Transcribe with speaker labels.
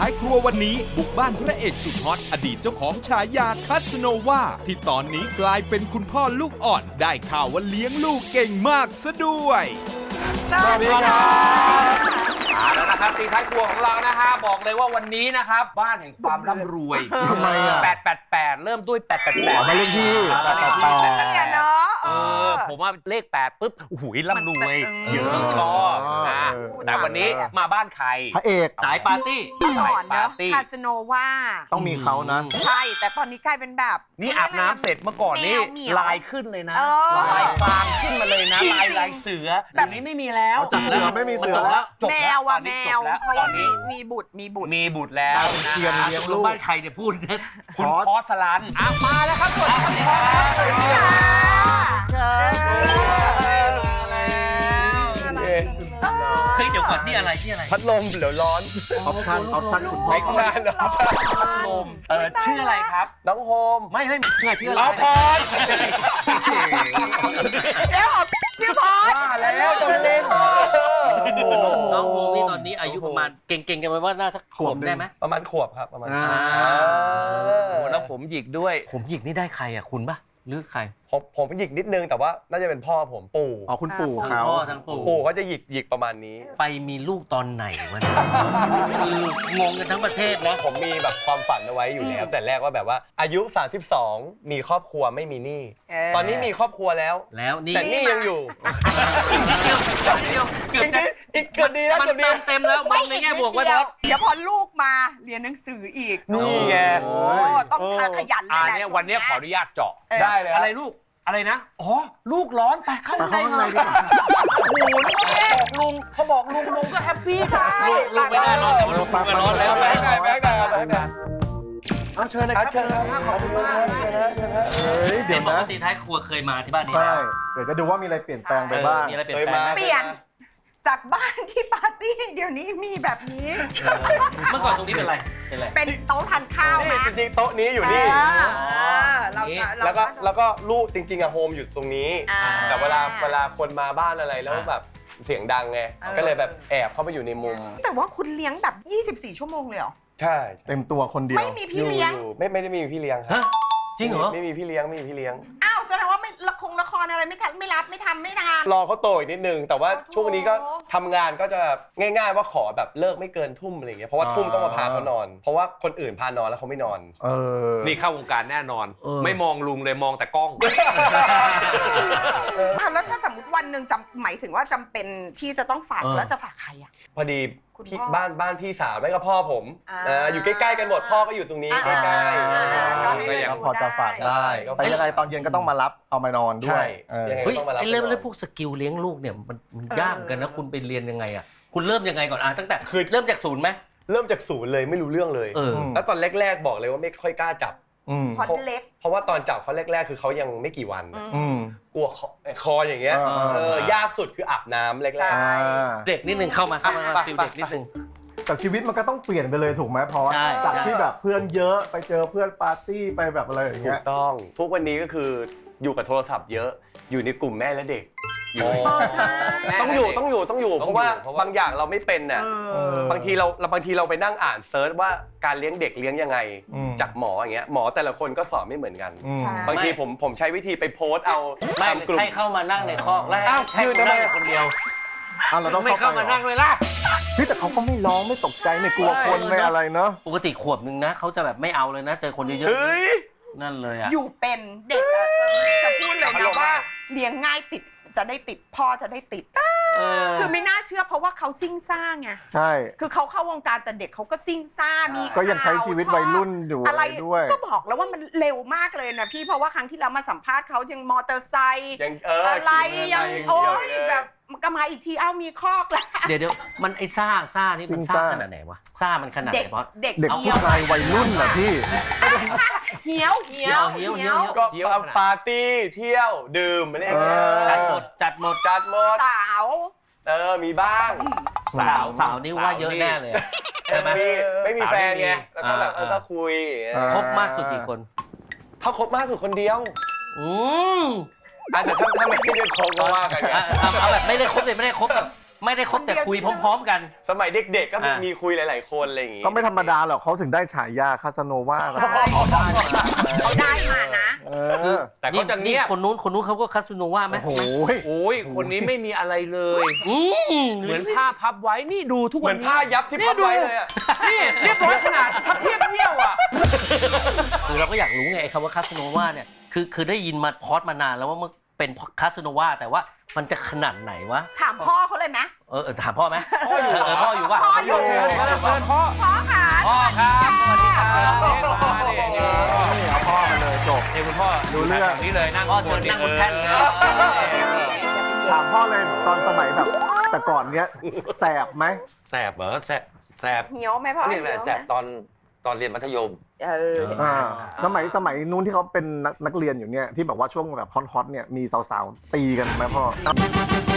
Speaker 1: ท้ายครัววันนี้บุกบ้านพระเอกสุดฮอตอดีตเจ้าของฉายาคัสโนวาที่ตอนนี้กลายเป็นคุณพ่อลูกอ่อนได้ข่าวว่าเลี้ยงลูกเก่งมากซะด้วย
Speaker 2: สวัสดีครับแล้วนะครับตีท้ายครัวของเรานะฮะบอกเลยว่าวันนี้นะครับบ้านแห่งความร่ำรวย
Speaker 3: ทำไมอ่ะ
Speaker 2: 888เริ่มด้วย888
Speaker 3: มาเลขที่
Speaker 4: เนาะ
Speaker 2: ผมว่าเลข8ปุ๊บโอ้โหร่ำรวยเยอะชอบแต่วันนี้มาบ้านใคร
Speaker 3: พระเอก
Speaker 2: สายปาร์ตี้
Speaker 4: ก่อนเนาะคาสโนวา
Speaker 3: ต้องมีเขานะ
Speaker 4: ใช่แต่ตอนนี้กลายเป็นแบบ
Speaker 2: นี่อาบน้ำเสร็จเมื่อก่อนนี่ลายขึ้นเลยนะลายฟางขึ้นมาเลยนะลายเสือแบบนี้ไม่มีแล้ว
Speaker 3: จบแล้วไม่มีเสือแล้ว
Speaker 4: แมวอะแมวเพราะว่ามีบุตรแล้วนะ
Speaker 3: เทียนเลี้ยงลูก
Speaker 2: บ้านใครเนี่ยพูดนะคุณพอสลันมาแล้วครับสวัสดีครับเฮ้ยเดี๋ยวก่อนนี่อะไร
Speaker 5: พัดลมเดี๋ยวร้อน
Speaker 3: ออปชั่นคุณพ่อ
Speaker 5: ไม่ใช่
Speaker 2: พัดลมชื่ออะไรครับ
Speaker 5: น้องโฮม
Speaker 2: ไม่ชื่ออะไร
Speaker 5: เอาพอด
Speaker 4: แล้วชื่อพอด
Speaker 5: แล้วจะเล่น
Speaker 6: น้องโฮมนี่ตอนนี้อายุประมาณเก่งๆกันไปว่าน่าสักขวบได้ไหม
Speaker 5: ประมาณขวบครับประมาณ
Speaker 2: แล้วผมหยิกด้วย
Speaker 6: ผมหยิกนี่ได้ใครอ่ะคุณปะหรือใคร
Speaker 5: ผมหยิกนิดนึงแต่ว่าน่าจะเป็นพ่อผมปู่
Speaker 3: อ๋อคุณปู่เขา
Speaker 6: พ่อทั้งปู่
Speaker 5: ปู่เขาจะหยิกประมาณนี้
Speaker 6: ไปมีลูกตอนไหนวะเนี่ยคืองงกันทั้งประเทศนะ
Speaker 5: ผมมีแบบความฝันเอาไว้อยู่แล้วแต่แรกว่าแบบว่าอายุ32มีครอบครัวไม่มีหนี้ตอนนี้มีครอบครัวแล้ว
Speaker 6: แล้วนี่
Speaker 5: แต่หนี้ยังอยู่
Speaker 6: เกือบจะ
Speaker 5: อีกเกือบดีแล้ว
Speaker 6: มัน
Speaker 5: เกือบดี
Speaker 6: เต็มแล้วมองในแง่บวกว่าท็อป
Speaker 4: เดี๋ยวพอลูกมาเรียนหนังสืออีก
Speaker 5: นี่ไง
Speaker 4: โอ้ต้องขยันเลยแหละ
Speaker 2: เนี่ยวันนี้ขออนุญาตเจาะ
Speaker 5: ได้เลย
Speaker 2: อะไรลูกอะไรนะอ๋อลูกร้อนไปเข้าข้างใน
Speaker 3: ดีกว่า
Speaker 2: โอ้โหนี่ก็บอกลุงเขาบอกลุงก็แฮปปี้ค่ะ
Speaker 6: ลูกไม่ได้ร้อนแต่ว่าลูกมันร้อนแล้ว
Speaker 5: แบงค์ไหน
Speaker 2: เอาเชิญเลยครับ
Speaker 5: เชิญครับขอบคุณมากเชิญนะ
Speaker 3: เฮ้ย
Speaker 6: เดี๋
Speaker 3: เดี๋
Speaker 6: ย
Speaker 3: ยว ว
Speaker 6: ปก
Speaker 3: นะ
Speaker 6: ติท้ายครัวเคยมาที่บ้านนี้
Speaker 3: ใช่เดี๋ยวจะดูว่ามีอะไรเปลี่ยนแปลงไปบ้าง
Speaker 6: มีอะไรเปลี่ยนแปลงไหม
Speaker 4: เปลี่ยนจากบ้านที่ปาร์ตี้เดี๋ยวนี้มีแบบนี้
Speaker 6: เมื่อก่อนตรงนี้เป็นอะไร
Speaker 4: เป็นโต๊ะทานข้าว
Speaker 5: นี่
Speaker 4: นะ
Speaker 5: จริงๆโต๊ะนี้อยู่นี่
Speaker 4: เราจะ
Speaker 5: แล้วก็ลูกจริงๆอะโฮมอยู่ตรงนี้ แต่เวลาคนมาบ้านอะไรแล้วแบบเสียงดังไงก็เลยแบบแอบเข้าไปอยู่ในมุม
Speaker 4: แต่ว่าคุณเลี้ยงแบบ 24 ชั่วโมงเลยเหรอ
Speaker 5: ใช่
Speaker 3: เต็มตัวคนเดียว
Speaker 4: ไม่มีพี่เลี้ยง
Speaker 5: ไม่ได้มีพี่เลี้ยงครั
Speaker 6: ฮะ
Speaker 5: บ
Speaker 6: จริงเหรอ
Speaker 5: ไม่มีพี่เลี้ยงไม่มีพี่เลี้ยง
Speaker 4: อ้าวแสดงว่าไม่ละครอะไรไม่ทำไม่นาน
Speaker 5: รอเขาโตอีกนิดนึงแต่ว่า
Speaker 4: โอ้โห
Speaker 5: ช่วงนี้ก็ทำงานก็จะง่ายๆว่าขอแบบเลิกไม่เกินทุ่มอะไรเงี้ยเพราะว่าทุ่มต้องมาพาเขานอน เพราะว่าคนอื่นพานอนแล้วเขาไม่นอน
Speaker 3: เออ
Speaker 2: นี่เข้าวงการแน่นอน ไม่มองลุงเลยมองแต่กล้อง
Speaker 4: แล้วถ้าสมมติวันหนึ่งหมายถึงว่าจำเป็นที่จะต้องฝากแล้วจะฝากใครอ่ะ
Speaker 5: พอดี
Speaker 4: คุณ
Speaker 5: พี่
Speaker 4: พ่อ
Speaker 5: บ้านพี่สาวแม่กับพ่อผมอยู่ใกล้ๆกันหมดพ่อก็อยู่ตรงนี้ใกล้
Speaker 4: ก็ให้
Speaker 5: ๆ
Speaker 4: เลื
Speaker 5: ยั
Speaker 4: อก
Speaker 5: ง
Speaker 4: ดู
Speaker 3: พอจะฝากได้แต่ยังไงตอนเย็นก็ต้องมารับเอามานอนด้ว
Speaker 5: ใช่
Speaker 3: ยเออ
Speaker 5: ยังไง
Speaker 6: เฮ้ย
Speaker 5: ต้องมารับ
Speaker 6: ไอ้เรื่องพวกสกิลเลี้ยงลูกเนี่ยมันยากกันนะคุณไปเรียนยังไงอ่ะคุณเริ่มยังไงก่อนตั้งแต่เริ่มจากศูนย์ไหม
Speaker 5: เริ่มจากศูนย์เลยไม่รู้เรื่องเลย แล้วตอนแรกๆบอกเลยว่าไม่ค่อยกล้าจับ
Speaker 4: พอเล็ก
Speaker 5: เพราะว่าตอนจับเขาแรกๆคือเขายังไม่กี่วัน กลัวคออย่างเงี้ย
Speaker 3: อ่า
Speaker 5: ยากสุดคืออาบน้ำแรก
Speaker 6: เด็กนิดนึงเข้ามาฟิลเด็กนิดนึง
Speaker 3: แต่ชีวิตมันก็ต้องเปลี่ยนไปเลยถูกไหมเพราะ
Speaker 6: ใช่
Speaker 3: จากที่แบบเพื่อนเยอะไปเจอเพื่อนปาร์ตี้ไปแบบอะไรอย่าง
Speaker 5: ๆถู
Speaker 3: เงี้
Speaker 5: ก
Speaker 3: ย
Speaker 5: ต้องทุกวันนี้ก็คืออยู่กับโทรศัพท์เยอะอยู่ในกลุ่มแม่และเด็ก
Speaker 4: ใช่
Speaker 5: ต้องอยู่เพราะว่าบางอย่างเราไม่เป็นน่ะบางทีเราไปนั่งอ่านเซิร์ชว่าการเลี้ยงเด็กเลี้ยงยังไงจากหมออย่างเงี้ยหมอแต่ละคนก็สอนไม่เหมือนกัน บางทีผมใช้วิธีไปโพสต์เอา
Speaker 6: ไม่
Speaker 5: ทำกลุ่ม
Speaker 6: ให้เข้ามานั่งในคอกแล้ว
Speaker 5: อ้าว
Speaker 6: ให้
Speaker 5: ยืน
Speaker 6: คุณ
Speaker 5: ทำไม
Speaker 6: นั่งคนเดียว
Speaker 3: เราต้อง
Speaker 6: ไม่เข้ามานั่งเลยล่ะ
Speaker 3: พี่แต่เขาก็ไม่ร้องไม่ตกใจไม่กลัวคนไม่อะไรเนาะ
Speaker 6: ปกติขวบนึงนะเขาจะแบบไม่เอาเลยนะเจอคนเยอะ
Speaker 5: เฮ้ย
Speaker 6: ๆนั่นเลยอ่ะ
Speaker 4: อยู่เป็นเด็กจะพูดเลยนะว่าเลี้ยงง่ายติดจะได้ติดพ่อจะได้ติดคือไม่น่าเชื่อเพราะว่าเขาซิ่งซ่าไง
Speaker 3: ใช่
Speaker 4: คือเขาเข้าวงการแต่เด็กเขาก็ซิ่งซ่ามี
Speaker 3: ก็ยังใช้ชีวิตวัยรุ่นอยู่
Speaker 4: อะไร
Speaker 3: ด้วย
Speaker 4: ก็บอกแล้วว่ามันเร็วมากเลยนะพี่เพราะว่าครั้งที่เรามาสัมภาษณ์เขายังมอเตอร์ไซค์
Speaker 5: ยัง
Speaker 4: อะไรยังโอ้ยแบบก็มาอีกทีมีคอกแล้ว
Speaker 6: เดี๋ยวมันไอ้ซ่านี่มันซ่าขนาดไหนวะซ่ามันขนาดไห
Speaker 4: เด็
Speaker 6: น
Speaker 4: ก
Speaker 6: เพราะ
Speaker 4: เด็ก
Speaker 3: เด็ก
Speaker 4: เหี่
Speaker 3: ผู้
Speaker 4: ยว
Speaker 3: ชายวัยรุ่นเหรอพี่
Speaker 4: เหี่ยวเหี่ยว
Speaker 6: เหี่ยว
Speaker 5: ก็ปาร์ตี้เที่ยวดื่มอะไรอย่างเงี้ย
Speaker 6: จัดหมด
Speaker 4: สาว
Speaker 5: มีบ้าง
Speaker 6: สาวนี่ว่าเยอะแน่เลยใช่ไหม
Speaker 5: ไม่มีแฟนไงแล้วก็แบบก็คุย
Speaker 6: ครบมากสุดกี่คน
Speaker 5: เขาคบมากสุดคนเดียว
Speaker 6: อืม
Speaker 5: แต่ถ้าไม่ได้คบก็ว่ากันไง
Speaker 6: เอาแบบไม่ได้ครบเลยไม่ได้ครบแบบไม่ได้คบแต่คุยพร้อมๆกัน
Speaker 5: สมัยเด็กๆก็มีคุยหลายๆคนอะไรอย่างงี้
Speaker 3: ก็ไม่ธรรมดาหรอกเขาถึงได้ฉายาคาสโนวา
Speaker 4: ใช่เขาได้มานะ
Speaker 2: แต่เขาจะเงียบ
Speaker 6: คนนู้นเขาก็คาสโนว่าไหม
Speaker 3: โอ้โห
Speaker 2: โอ้ยคนนี้ไม่มีอะไรเลย เหมือนผ้าพับไว้นี่ดูทุก
Speaker 5: เห
Speaker 2: วั
Speaker 5: มื
Speaker 2: น
Speaker 5: อนผ้ายับที่พับไว้เลยอะ
Speaker 2: นี่เรียบร้อยขนาดพับเทียบเที่ยวอ่ะ
Speaker 6: คือเราก็อยากรู้ไงไอ้คำว่าคาสโนวาเนี่ยคือได้ยินมาพอดมานานแล้วว่ามันเป็นคาสโนวาแต่ว่ามันจะขนาดไหนวะ
Speaker 4: ถามพ่อเขาเลยไหม
Speaker 6: ถามพ่อไหมพ่ออยู่ป่ะ
Speaker 4: พ่ออยู่
Speaker 2: เชิญพ่อ
Speaker 4: พ่อค่ะ
Speaker 2: พ่อครับสวัสดีครับ
Speaker 3: เอาพ่อมาเลยจบ
Speaker 2: นี่คุณพ่อ
Speaker 3: รู้เรื่อง
Speaker 2: นี้เลยนั่ง
Speaker 6: พ่อเชิญนั่งบนแท่นเลย
Speaker 3: ถามพ่อเลยตอนสมัยแบบแต่ก่อนเนี้ยแสบไหม
Speaker 7: แสบเหรอแสบ
Speaker 4: เหี่ยวไหมพ่อ
Speaker 7: เขาเรียกอะไร
Speaker 4: หี่ยวไหม
Speaker 7: แสบตอนเรียนมัธยม
Speaker 3: สมัยนู้นที่เขาเป็นนักเรียนอยู่เนี่ยที่แบบว่าช่วงแบบฮอตๆเนี่ยมีสาวๆตีกันไหมพ่อ